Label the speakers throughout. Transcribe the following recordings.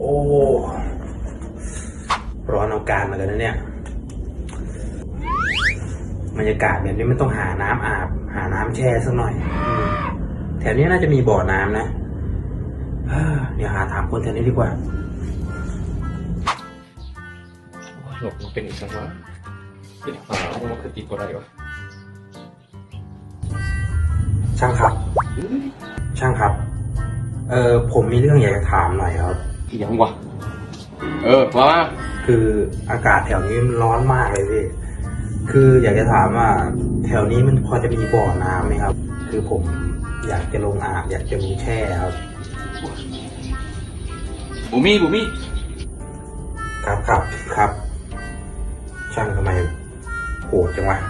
Speaker 1: อ้ร้อนเอาการมาเลยนะเนี่ยบรรยากาศแบบนี้มันต้องหาน้ำอาบหาน้ำแช่สักหน่อยแถวนี้น่าจะมีบ่อน้ำนะเดี๋ยวหาถามคนแถวนี้ดีกว่า
Speaker 2: หลบมันเป็นอีกสังวะเป็นหาว่ามันคือติดอะไรวะ
Speaker 1: ช่างครับผมมีเรื่องอยากจะถามหน่อยครับ
Speaker 2: ยังวะว่ามา
Speaker 1: คืออากาศแถวนี้มันร้อนมากเลยพี่คืออยากจะถามว่าแถวนี้มันพอจะมีบ่อน้ำไหมครับคือผมอยากจะลงอาบอยากจะลงแช่ครับ
Speaker 2: บุมี่
Speaker 1: ครับช่างทำไมโหดจังวะ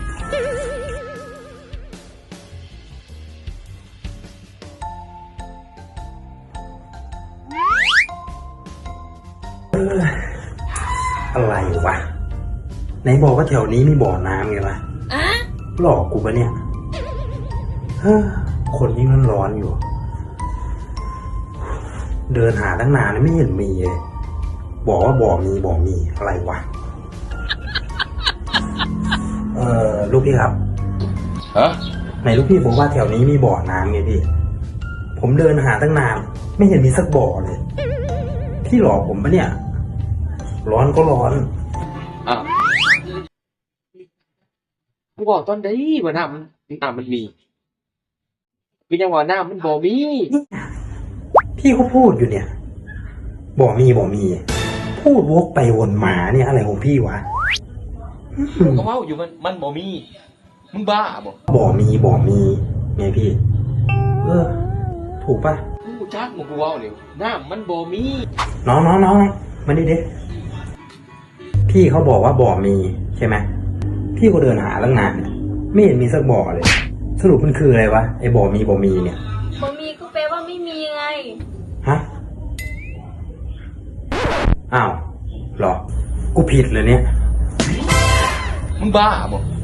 Speaker 1: อะไรวะไหนบอกว่าแถวนี้มีบ่อน้ำไงวะหลอกกูปะเนี่ยคนยิ่งร้อนอยู่เดินหาตั้งนานแล้วไม่เห็นมีเลยบอกว่าบ่อมีอะไรวะลูกพี่ครับไหนลูกพี่ผมว่าแถวนี้มีบ่อน้ำไงพี่ผมเดินหาตั้งนานไม่เห็นมีสักบ่อเลยพี่หลอกผมปะเนี่ยร้อนก็ร้อน
Speaker 2: กูบอกตอนได้ว่าน้ำมันมีพี่ยังว่าน้ำมันบ่มี
Speaker 1: พี่เขาพูดอยู่เนี่ยบ่มีพูดวกไปวนมาเนี่ยอะไรของพี่วะ
Speaker 2: กูก็เมาอยู่มันบ่มีมึงบ้า
Speaker 1: บ่มีไงพี่ถูกปะ
Speaker 2: กูจักมึงกูเว้าเลยน้ำมันบ่มี
Speaker 1: น้องมาดิเด็กพี่เขาบอกว่าบ่มีใช่ไหมพี่ก็เดินหาตั้งนานไม่เห็นมีสักบ่อเลยสรุปมันคืออะไรวะไอ้บ่มีเนี่ย
Speaker 3: บ่มีก็แปลว่าไม่มีไง
Speaker 1: ฮะอ้าวหรอกูผิดเลยเนี่ย
Speaker 2: มึงบ้า